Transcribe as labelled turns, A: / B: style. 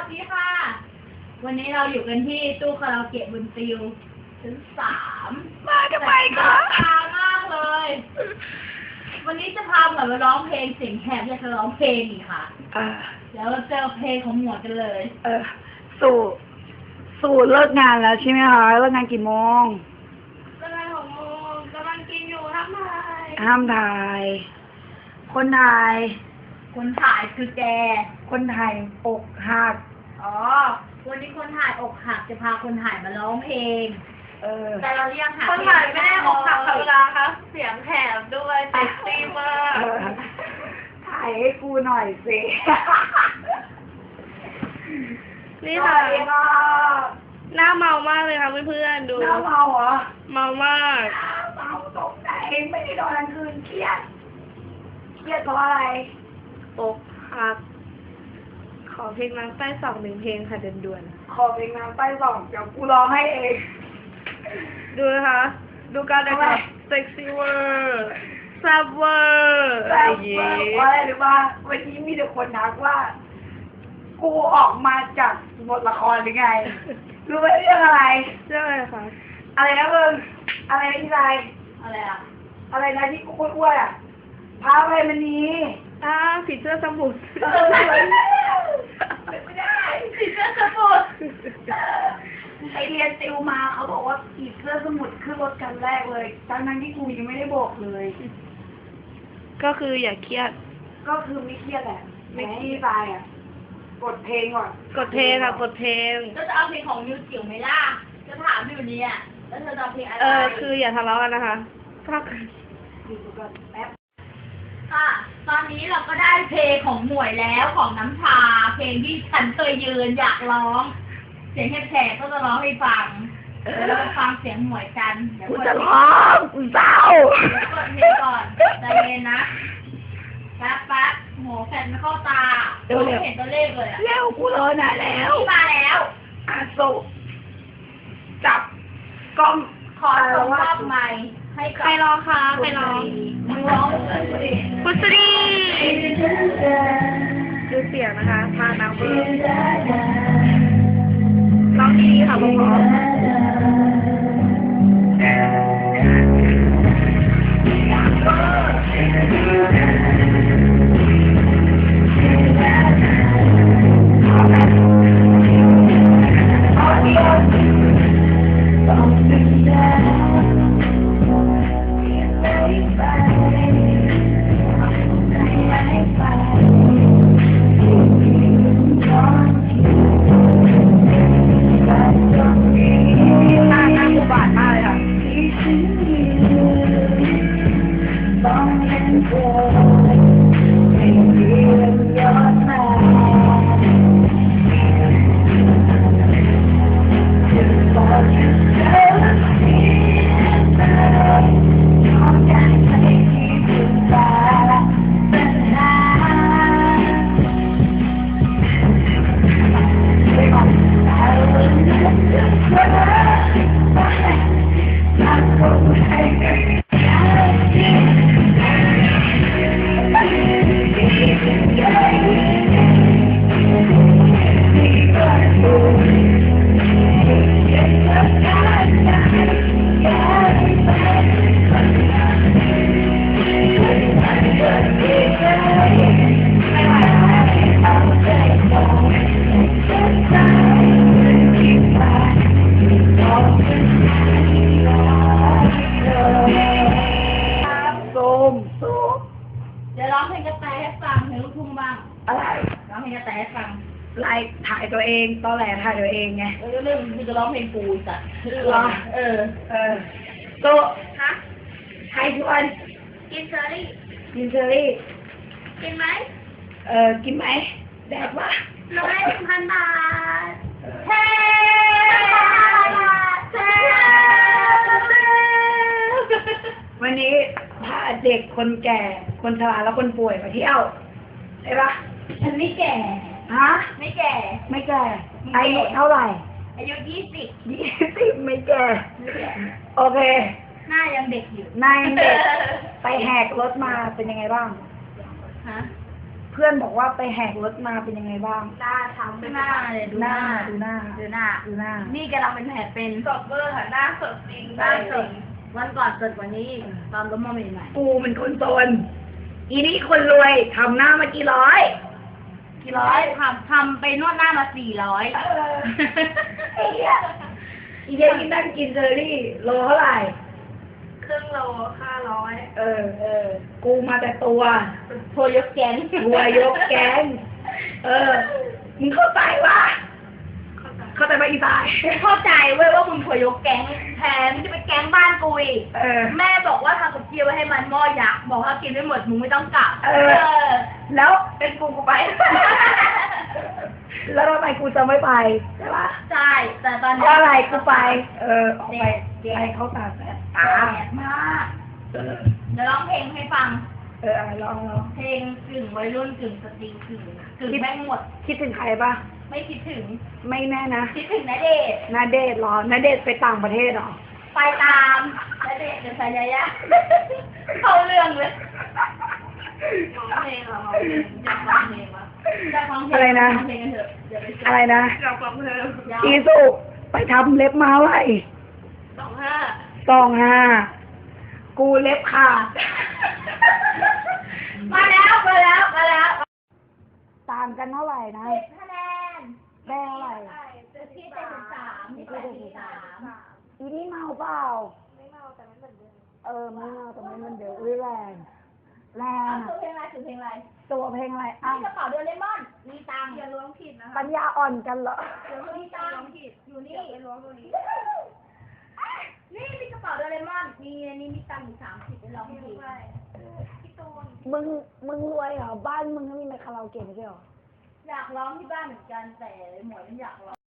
A: ดีค่ะ วันนี้เราอยู่กันที่ตู้คาราโอเกะบนติวชั้น3
B: มาทำไมคะ
A: ตามากเลย วันนี้จะพาเหมือนมาร้องเพลงเสียงแหบอยากจะร้องเพลงอีกค่ะแล้วเราเจอเพลงของหมวดกันเลย
B: สู่เลิกงานแล้วใช่ไหมคะเลิกงานกี่โมง
A: เลิกงาน6 โมงกำลังกินอยู่ห้ามถ่าย
B: ห้ามถ่าย คนถ่าย
A: คือแก
B: คนถ่ายอกหัก
A: อ๋อวันนี้คนถ่ายอกหักจะพาคนถ่ายมาร้องเพลงแต่เรายังหา
C: คนถ่ายไม่ได้อกหักธรรมดาค่ะเสียงแหบด้วยเซ็กซี่มาก
B: ถ่ายให้กูหน่อยสิ
C: นี่ค่ะหน้าเมามากเลยค่ะเพื่อนๆดู
B: หน้าเมาเหรอ
C: เมามาก
B: เมาตกใจไม่ได้นอนกลางคืนเครียดเพราะอะไร
C: อกหักขอเพลงน้ำใต้2 1 เพลงค่ะด่วน
B: ๆขอเพลงน้ำใต้2เดี๋ยวกูร้องให้เอง
C: ดูนะคะดูการแต่งตัวเซ็กซี่เวอร์แซ่บเวอร์
B: อะไรอย่างงี้ว่าอะไรหรือว่าวันนี้มีแต่คนทักว่ากูออกมาจากบทละครหรือไงรู้ไหมเรื่องอะไร
C: คะ
B: อะไรนะมึงอะไรนะที่ไร
A: อะไรอะ
B: อะไรนะที่กูอ้วนอ่ะพาไปมันนี้
C: ผีเสื้อสมุทร
B: ไม่ได้
A: ผีเสื้อสมุทร
B: ไปเรียนติวมาเขาบอกว่าผีเสื้อสมุทรขึ้นรถกันแรกเลยทั้งที่กูยังไม่ได้บอกเลย
C: ก็คืออย่าเครียด
B: ก็คือไม่เครียดแหละไม่ที่ตายอ่ะกดเพลงก่อน
C: กดเพลงค่ะกดเพลง
A: ก็จะเอาเพลงของนิวจิ๋วไหมล่ะจะถามอยู่นี้อ่ะแล้วเธอจะเอาเพลงอะไร
C: คืออย่าทะเลาะกันนะคะพัก
B: อยู่ก่อนแป๊บ
A: ค่ะตอนนี้เราก็ได้เพลงของหมวยแล้วของน้ำชาเพลงที่ฉันเคยยืนอยากร้องเสียงแฉะก็จะร้องให้ฟังแล้วฟังเสียงหมวยกัน
B: กูจะร้องกูเศร้า
A: เดี๋ยวกดเพลงก่อนใจเย็นนะแป๊บโหแฟนไม่เข้าตาเห็นตัวเลขเลยอะ
B: เร็วกูรอนานแล้ว
A: มาแล้ว
B: สุจับกล้อง
A: ขอส่งมอบไมค์ให้กับ
C: ใครร้องคะใครร้อง
A: มึงร้อง
C: พุทธีดูเสียงนะคะพาน้ำเบอร์ร้องดีค่ะพ่อ
A: เดี๋ยวร้องเพลงกระแตให้ฟังเพลงลูกทุ่งบ้าง
B: อะไร
A: ร้องเพลงกระแตให้ฟัง
B: ไล่ถ่ายตัวเองตอนแหลถ่ายตัวเองไง
A: เรื่องมึงจะร้องเพลงกูสัตว์
B: โต
A: ฮะ
B: ให้ชวน
A: กินเชอรี่
B: กิน
A: ไหม
B: กินไหมแดกวะ
A: 1,000 บาทเฮ้
B: วันนี้พาเด็กคนแก่คนชราแล้วคนป่วยมาเที่ยวใช่ปะ
A: ฉันไม่แก่
B: ฮะ
A: ไม่แก่
B: อายุเท่าไหร่
A: อายุ
B: 20ไม่แก่โอเค
A: หน้ายังเด็กอยู่
B: หน้ายังเด็กไปแหกรถมาเป็นยังไงบ้าง
A: ฮะ
B: เพื่อนบอกว่าไปแหกรถมาเป็นยังไงบ้าง
C: หน้าทำ
A: ดูหน้าเลยดูหน้า
B: ดูหน้า
A: ดูหน้า
B: ดูหน้า
A: นี่กำลังเป็นแผลเป็น
C: สดเวอร์ค่ะหน้าสดจริง
A: หน้าสดวันก่อนสดกว่านี้อีกตอนล้มมาใหม่
B: กูเป็นคนจนอีนี่คนรวยทำหน้ามากี่ร้อย
A: ๆร้อยทำไปนวดหน้ามา400
B: ไอ้เหี้ยอีเดียที่นั่งกินเจอรี่โลเท่าไหร่
C: ครึ่งโล500
B: กูมาแต่ตัว
A: โพยกแกน
B: รวยยกแก๊งมึงเข้าใจวะเข้าใจปะอีสาย
A: เข้าใจเว้ยว่ามึงโพยกแก๊งแถมจะไปแก๊งบ้านกูอีก แม่บอกว่าทำกับเจียวไว้ให้มันหม้อยักษ์บอกว่ากินไม่หมดมึงไม่ต้องกลับ
B: แล้ว
C: เป็นกูไป
B: แล้วทำไมกูจะไม่ไปใช่ปะ
A: ใช่แต่ตอน
B: เพ
A: นี้
B: ราะอะไรกูไป ออกไปไปเขาตากแดด
A: แดดมากเดี๋ยวร้องเพลงให้ฟัง
B: ลอง
A: เพลงกึ่งวัยรุ่นกึ่งสตรีกึ่งแม่งหมด
B: คิดถึงใครปะ
A: ไม่คิดถึง
B: ไม่แน่นะ
A: คิดถึงณเดชน์
B: นาเดชน์เหรอนาเดชน์ไปต่างประเทศเหรอ
A: ไปตามณเดชน์เดี๋ยวสายยะเข้าเรื่องเลย
C: ร้องเพลงเหรออยากฟังเพลงวะ
A: จะฟังเพลง
B: อะไรนะ
A: ฟังเพลงกันเถอะเดี๋ยวไปเจ
B: อะไรนะ
C: อยากฟังเพลง
A: ยาว
B: อีสุไปทำเล็บมาไว้
C: 25
B: 25กูเล็บขาด
A: มาแล้ว
B: ต่างกันเท่าไหร่นะ
A: 10 คะแนน
B: ได้เท่าไหร่
A: ที่73ที่83
B: อีนี่เมาเปล่า
C: ไม่เมาแต่ไม่เหมือนเดิม
B: ไม่เมาแต่ไม่มันเดี๋ยวอุ้ยแรงอะ
A: คือเพลงอะไรคือเพลงอะไร
B: ตัวเพลงอะไรอ้าว
A: นี่กระเป๋าโดเรมอนมีตังค์
C: อย่าล้วงผิดนะคะ
B: ปัญญาอ่อนกันเหรอ
A: เดี๋ยวมีตังค์อยู่นี่
C: ไปล้วงตรงนี้
A: นี่มีกระเป๋าโดเรมอนมีอันนี้มีตังค์อยู่30ไปลองดู
C: พี่ตูน
B: มึงรวยเหรอบ้านมึงก็มีคาราโอเกะไม่ใช่เหรอ
A: อยากร้องที่บ้านเหมือนกันแต่หมวยมันอยากร้อง